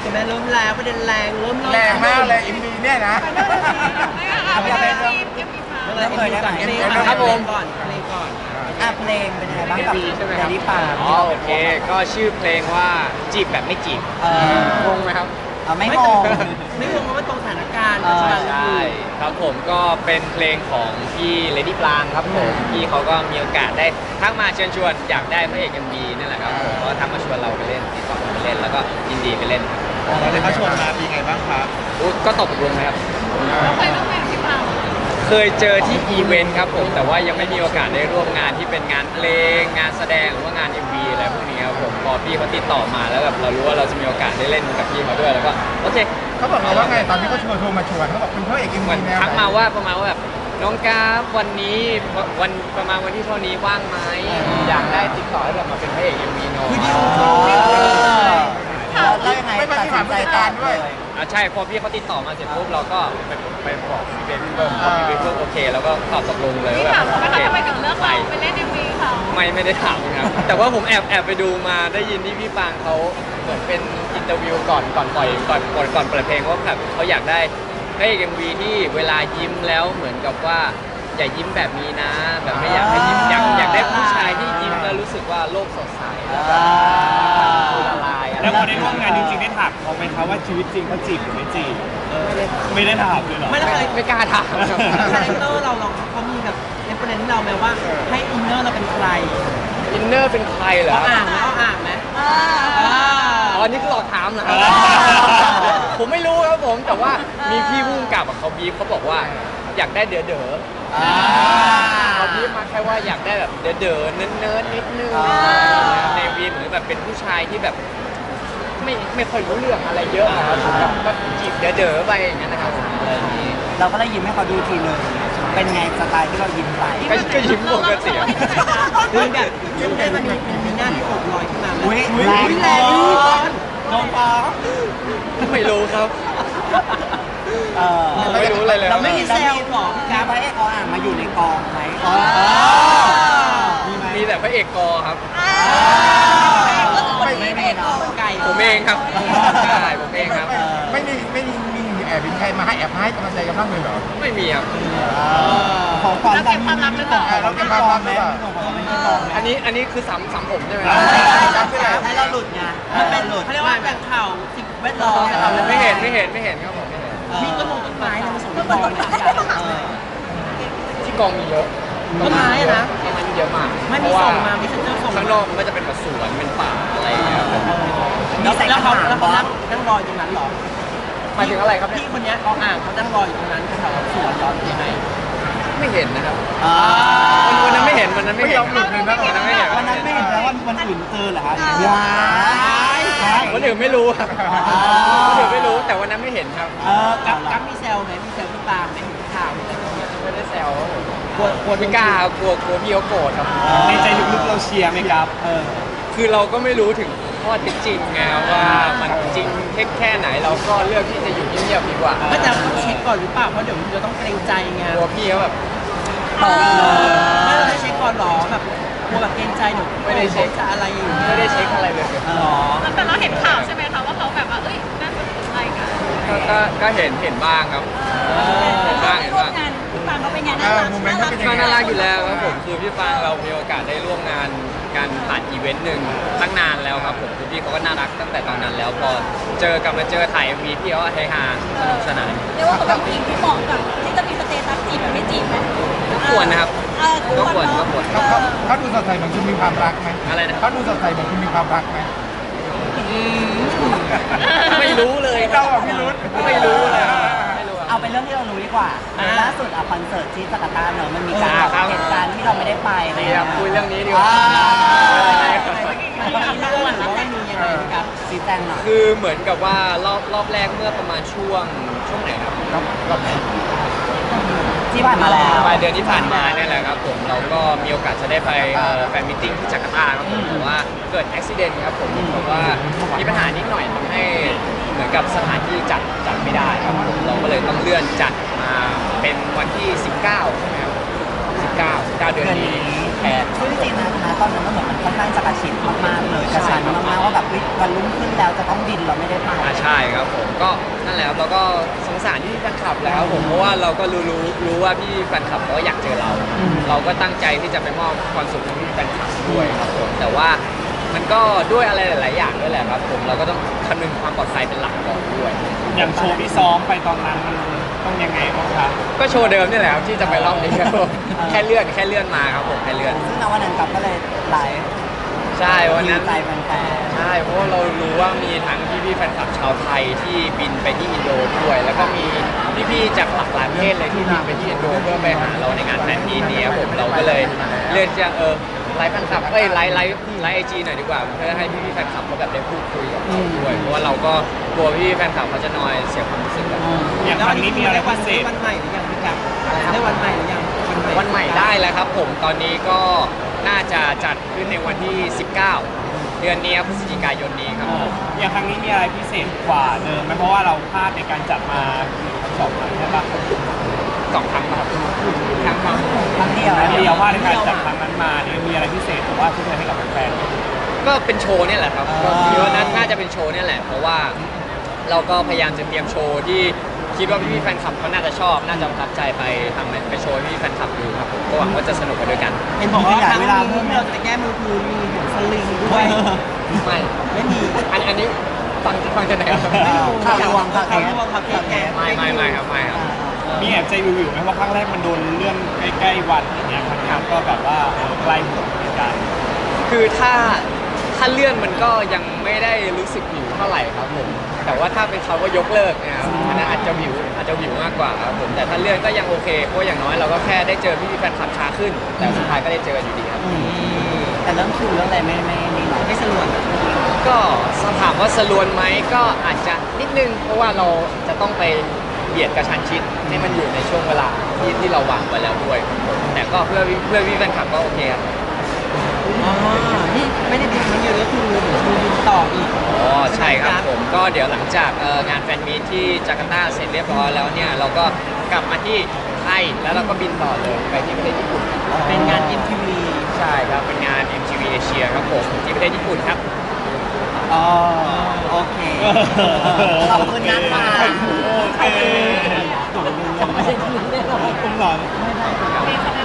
ช่ไหมเริ่มแล้วประเด็นแรงเริ่มแรงมากเลยอินดีเนี่ยนะเอาไปเป็นเริ่มเลยก่อนเพลงก่อนครับผมก่อนเพลงก่อนเพลงเป็นยังไงบ้างกับใช่ไหมเดครับลี่ปาอ๋อโอเค ก็ชื่อเพลงว่าจีบแบบไม่จีบงงไหมครับไม่งงไม่งงเพราะว่าตรงสถานการณ์เออปัจจุบันใช่ครับผมก็เป็นเพลงของพี่เลดี้ปลางครับผมพี่เขาก็มีโอกาสได้ทักมาเชิญชวนอยากได้พระเอก MV นั่นแหละครับผมก็ทักมาชวนเราไปเล่นติดต่อไปเล่นแล้วก็ยินดีไปเล่นครับเราได้เขาชวนมาเป็นไงบ้างครับอุ๊ยก็ตกลงนะครับเคยร่วมงานกับพี่ปางเคยเจอที่อีเวนต์ครับผมแต่ว่ายังไม่มีโอกาสได้ร่วมงานที่เป็นงานเพลงงานแสดงหรือว่างาน MV อะไรพวกนี้ครับผมพอพี่เขาติดต่อมาแล้วแบบเรารู้ว่าเราจะมีโอกาสได้เล่นกับพี่เขาด้วยแล้วก็โอเคเขาบอกเราว่าไงตอนที่เขาชวนโทรมาชวนเขาบอกเป็นพระเอกอินเหมืดีอนแนวทักมาว่าประมาณว่าแบบน้องกราฟวันนี้วันประมาณวันที่เท่านี้ว่างไหมอยากได้ติดต่อให้แบบมาเป็นพระเอก MV น้องคือดิวแล้วยังไงไม่มาตัดที่สิผ่านนใจผู้จัดตาการมด้วยใช่พอพี่เขาติดต่อมาเสร็จปุ๊บเราก็ไปบอกพี่เบนเพิ่มพอพี่เบนเพิ่มโอเคแล้วก็ตอบตกลงเลยพี่ว่าถามเขาไหมโอคะเคทำไมถึงเลือกเราไปเล่น MV เขาไม่ได้ถามครับ แต่ว่าผมแอบไปดูมาได้ยินที่พี่ปางเขาเหมือนเป็นอินเตอร์วิวก่อนปล่อยก่อนเปิดเพลงว่าแบบเขาอยากได้พระเอก MV ที่เวลายิ้มแล้วเหมือนกับว่าอย่ายิ้มแบบนี้นะ แบบไม่อยากให้ยิ้มอยากได้ผู้ชายที่ยิ้มแล้วรู้สึกว่าโลกสดใสแล้วก็ละลายอะไรแล้วพอได้ร่วมงานจริงๆได้ถามเขาไหมคะว่าชีวิตจริงเขาจีบหรือไม่จีบไม่ได้ถามเลยเหรอไม่ได้เคยไม่กล้าถามครับคาแรคเตอร์เราเขามีแบบเอฟเฟอเรนซ์เราไหมว่าให้อินเนอร์เราเป็นใครอินเนอร์เป็นใครเหรอเราอ่านไหมเราอ่านไหมอ๋อนี่คือหลอกถามเหรอครับผมไม่รู้ครับผมแต่ว่ามีพี่ผู้กำกับอะเขาบีบเขาบอกว่าอยากได้เด๋อเขาบีบมาแค่ว่าอยากได้แบบเด๋อเนิร์ดๆนิดนึงในวีเหมือนแบบเป็นผู้ชายที่แบบไม่ค่อยรู้เรื่องอะไรเยอะนะครับแบบก็จีบเด๋อไปอย่างนั้นนะครับผมอะไรอย่างนี้เราก็เลยยิ้มให้เขาดูทีนึงเป็นไงสไตล์ที่เรายิ้มไปก็ยิ้มปกติคือแบบซึ่งได้มันมีหน้าที่อกลอยขึ้นมาไหมอุ๊ยแรงแรงโดนฟ้องไม่รู้ครับเออไม่รู้อะไรเลยเราไม่มีเซลล์หรอพี่กากัรฟพระเอกเขาอ่านมาอยู่ในกองไหมมีแต่พระเอกกอครับไม่เนาะไก่ผมเองครับใช่ผมเองครับไม่มีแอบเป็นใครมาให้แอบให้กำลังใจกันบ้างเลยเหรอไม่มีครับของความแล้วเก็บความลับหรือเปล่าเราเก็บความลับหรือเปล่าอันนี้คือสำผมใช่ไหมให้เราหลุดไงมันเป็นหลุดเขาเรียกว่าแบ่งข่าวสิ่งแวดล้อมไม่เห็นครับผมไม่เห็นมีต้นไม้นะผสมต้นไม้ที่กองมีเยอะต้นไม้อะนะต้นไม้มีเยอะมากไม่มีส่งมาไม่เซ็นเตอร์ส่งข้างนอกมันก็จะเป็นแบบสวนเป็นป่าอะไรอย่างเงี้ยครับผมแล้วเขานั่งรออยู่ตรงนั้นหรอหมายถึงอะไรครับเนี่ยพี่คนนี้เขาอ่างเขานั่งรออยู่ตรงนั้นแถวสวนร้อนยังไงไม่เห็นนะครับวันนั้นไม่เห็นวันนั้นไม่ไม่เห็ยนอมหลุดเลยนะวันนั้นไม่เห็นวันนั้นไม่เห็นแล้ววันอื่นเจอเหรอครับว้ายวันอื่นไม่รู้ครับวันอื่นไม่รู้แต่วันนั้นไม่เห็นครับกัฟมีเซลไหมมีเซลพี่ปาล์มไหมข่าวอะไรอย่างเงี้ยไม่ได้แซวครับผมกลัวไม่กล้ากลัวพี่เขาโกรธครับในใจลึกๆเราเชียร์ไหมครับคือเราก็ไม่รู้ถึงข้อเท็จจริงไงว่ามันจริงเท็จแค่ไหนเราก็เลือกที่จะอยู่เงียบๆดีกว่าก็จะต้องเช็คก่อนหรือเปล่าเพราะเดี๋ยวมันจะต้องเกรงใจไงกลัวพี่เขาแบบไม่เราได้เช็คก่อนหรอแบบกลัวแบบเกรงใจเดี๋ยวจะอะไรอย่างเงี้ยไม่ได้เช็คอะไรเลยหรอแต่เราเห็นข่าวใช่ไหมคะว่าเขาแบบว่า เอ้ยน่าสนใจกันก็เห็นบ้างครับเห็นบ้างพี่ปางเขาเป็นไงโมเมนต์เขาเป็นยังก็ไงน่ารักอยู่แล้วครับผมคือพี่ฟางเรามีโอกาสได้ร่วมงานการผ่านอีเวนต์หนึ่งตั้งนานแล้วครับผมคือพี่เขาก็น่ารักตั้งแต่ตอนนั้นแล้วพอมาเจอถ่ายมีพี่เขาก็เฮฮาสนุกสนานเรียกว่าเขาเป็นผู้หญิงที่เหมาะกับที่จะมีสเตตัสจีบแบบไม่จีบไหมก็ควรนะครับก็ควรเขาดูสดใสเหมือนคุณมีความรักไหมอะไรนะเขาดูสดใสเหมือนคุณมีความรักไหมไม่รู้เลยเราอ่ะพี่รุ้ไม่รู้เลยไม่รู้เอาเป็นเรื่องที่เรารู้ดีกว่าล่าสุดคอนเสิร์ตที่จาการ์ตาเนอะมันมีการครับเหตุการณ์ที่เราไม่ได้ไปนี่ครับคุยเรื่องนี้ดีกว่ามันมีเรื่องหรือว่ามียังไงครับชี้แจงหน่อยคือเหมือนกับว่ารอบแรกเมื่อประมาณช่วงไหนครับรอบไหนที่ผ่านมาแล้วปลายเดือนที่ผ่านมาเนี่ยแหละครับผมเราก็มีโอกาสจะได้ไปแฟนมิทติ้งที่จาการ์ตาครับผมแต่ว่าเกิดอุบิเหตุครับผมเพราะว่ามีปัญหานิดหน่อยทำให้เหมือนกับสถานที่จัดไม่ได้ครับผมเราก็เลยต้องเลื่อนจัดมาเป็นวันที่ 19ใช่ไหมครับ19เดือนนี้แทนซึ่งจริงๆนะตอนนั้นมันเหมือนมันค่อนข้างจะกระชิดมากๆเลยกระชันมากๆว่าแบบวันรุ่งขึ้นแล้วจะต้องบินเราไม่ได้ไปใช่ครับผมก็นั่นแหละครับเราก็สงสารพี่แฟนคลับแล้วผมเพราะว่าเราก็รู้ว่าพี่แฟนคลับเขาอยากเจอเรา เราก็ตั้งใจที่จะไปมอบความสุขให้พี่แฟนคลับด้วยครับผมแต่ว่ามันก็ด้วยอะไรหลาย ๆ อย่างด้วยแหละครับผมเราก็ต้องคำนึงความปลอดภัยเป็นหลักก่อนด้วยอย่างโชว์ที่ซ้อมไปตอนนั้นมันต้องยังไงบ้างคะก็โชว์เดิมนี่แหละครับที่จะไปรอบนี้ครับผมแค่เลื่อนมาครับผมแค่เลื่อนซึ่งในวันนั้นกับก็เลยไลฟ์ใช่วันนั้นใจแฟนใช่เพราะว่าเรารู้ว่ามีทั้งพี่ๆแฟนคลับชาวไทยที่บินไปที่อินโดด้วย แล้วก็มีพี่ๆจากหลากหลายประเทศเลยที่บินไปที่อินโดเพื่อไปหาเราในงานแฟนมีตนี้ครับผมเราก็เลยเลือกจะไลฟ์แฟนคลับไลฟ์ไอจีหน่อยดีกว่าเพื่อให้พี่ๆแฟนคลับเขาแบบได้พูดคุยกับเราด้วยเพราะว่าเราก็กลัวพี่ๆแฟนคลับเขาจะนอยเสียความรู้สึกกันอย่างครั้งนี้มีอะไรพิเศษวันใหม่หรือยังพี่กับได้วันใหม่หรือยังวันใหม่ได้แล้วครับผมตอนนี้ก็น่าจะจัดขึ้นในวันที่ 19 เดือนนี้พฤศจิกายนนี้ครับผมอย่างครั้งนี้มีอะไรพิเศษกว่าเดิมไหมเพราะว่าเราพลาดในการจัดมาสองครั้งใช่ปะ 2 ครั้งครับครั้งๆครั้งเดียวครั้งเดียวว่าในการจัดครั้งนั้นมาเนี่ยมีอะไรพิเศษหรือว่าช่วยให้กับแฟนก็เป็นโชว์เนี่ยแหละครับก็คิดว่าน่าจะเป็นโชว์เนี่ยแหละเพราะว่าเราก็พยายามจะเตรียมโชว์ที่คิดว่าพี่ๆแฟนคลับเขาน่าจะชอบน่าจะประทับใจไปทำไปโชว์ให้พี่ๆแฟนคลับดูครับผมก็หวังว่าจะสนุกไปด้วยกันเห็นบอกว่าครั้งนี้เราจะแก้มือคือมีหัวสลิงด้วยไม่มีอันนี้ฟังจากไหนครับไม่รู้ข่าวรวมข่าวรวมข่าวแก้ไม่ครับไม่ครับๆมีแอบใจวิวๆไหมว่าครั้งแรกมันโดนเลื่อนใกล้ๆวันอย่างเงี้ยครั้งนี้ก็แบบว่าใกล้หมดเหมือนกันคือถ้าเลื่อนมันก็ยังไม่ได้รู้สึกหิวเท่าไหร่ครับผมแต่ว่าถ้าเป็นเขาก็ยกเลิกนะครับอันนั้นอาจจะหิวมากกว่าครับผมแต่ถ้าเลื่อนก็ยังโอเคเพราะอย่างน้อยเราก็แค่ได้เจอพี่ๆแฟนคลับช้าขึ้น แต่สุดท้ายก็ได้เจอกันอยู่ดีครับแต่เรื่องคิวเรื่องอะไรไม่นี่หรอกไม่สลวนก็ถามว่าสลวนไหมก็อาจจะนิดนึง เพราะว่าเราจะต้องไปเบียดกระชันชิดให้มันอยู่ในช่วงเวลาที่เราวางไว้แล้วด้วยครับผมแต่ก็เพื่อพี่แฟนคลับก็โอเคครับอ๋อนี่ไม่ได้บินมาเยอะก็คือดูบินต่ออีกอ๋อใช่ครับผมก็เดี๋ยวหลังจากงานแฟนมีตที่จาการ์ตาเสร็จเรียบร้อยแล้วเนี่ยเราก็กลับมาที่ไทยแล้วเราก็บินต่อเลยไปที่ประเทศญี่ปุ่นเป็นงาน MTV ใช่ครับเป็นงาน MTV Asia ครับผมที่ประเทศญี่ปุ่นครับอ๋อโอเคขอบคุณนะคะโอเคยังไม่ได้ยินได้หรอคุณหลอนมีคำ